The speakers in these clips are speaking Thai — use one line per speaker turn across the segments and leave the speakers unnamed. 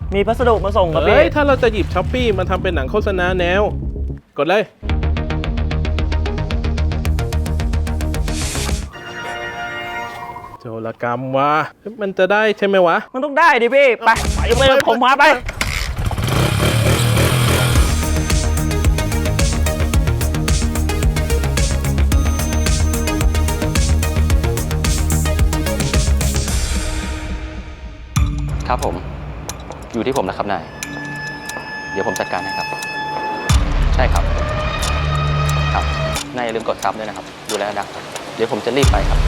มีพัสดุมาส่งครับพี่
ถ้าเราจะหยิบช้อปปี้มาทำเป็นหนังโฆษณาแนว กดเลยโจรกรรมวะมันจะได้ใช่ไหมวะ
มันต้องได้ดิพี่ ไปผมพาไป
ครับผมอยู่ที่ผมนะครับนายเดี๋ยวผมจัดการให้ครับใช่ครับครับนายอย่าลืมกดซับด้วยนะครับดูแลดังเดี๋ยวผมจะรีบไปครับ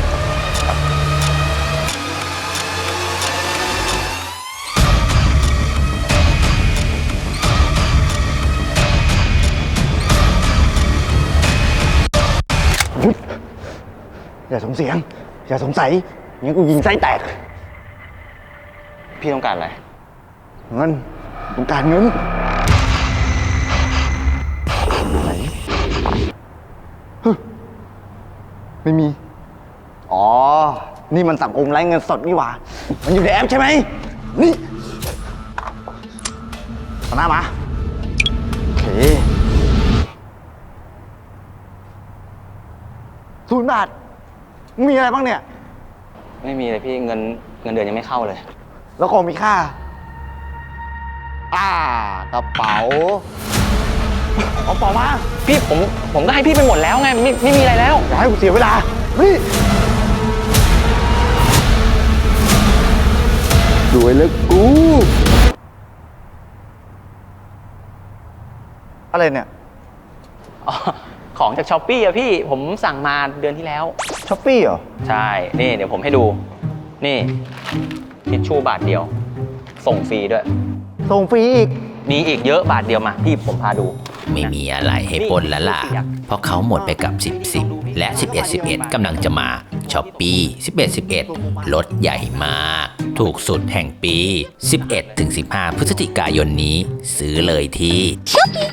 หยุดอย่าส่งเสียง อย่าสงสัยงั้นกูยิงไส้แตก
พี่ต้องการอะไร
เงินต้องการเงินอยู่ไหนฮึไม่มี อ๋อ นี่มันสังคมไร้เงินสดนี่หว่า มันอยู่ในแอปใช่ไหม นี่เอาหน้ามา โอเค0 บาท มีอะไรบ้างเนี่ย
ไม่มีเลยพี่เงินเดือนยังไม่เข้าเลย
แล้วของมีค่า กระเป๋า เอาเป๋ามา
พี่ผมก็ให้พี่ไปหมดแล้วไงไม่มีอะไรแล้ว
อย่าให้กูเสียเวลา นี่สวยเลยกู อะไรเนี่ย
อ๋อของจากช้อปปี้อะพี่ผมสั่งมาเดือนที่แล้ว
ช้อปปี้เหรอ
ใช่ นี่เดี๋ยวผมให้ดู นี่ทิชชู่บาทเดียว ส่งฟรีด้วย
ส่งฟรีอีก
มีอีกเยอะบาทเดียวมาพี่ผมพาดู
ไม่มีอะไรให้ปนแล้วล่ะ เพราะเขาหมดไปกับ 10 และ 11 กำลังจะมาช้อปปี้11 ลดใหญ่มาก ถูกสุดแห่งปี 11-15 พฤศจิกายนนี้ ซื้อเลยที่
Shopee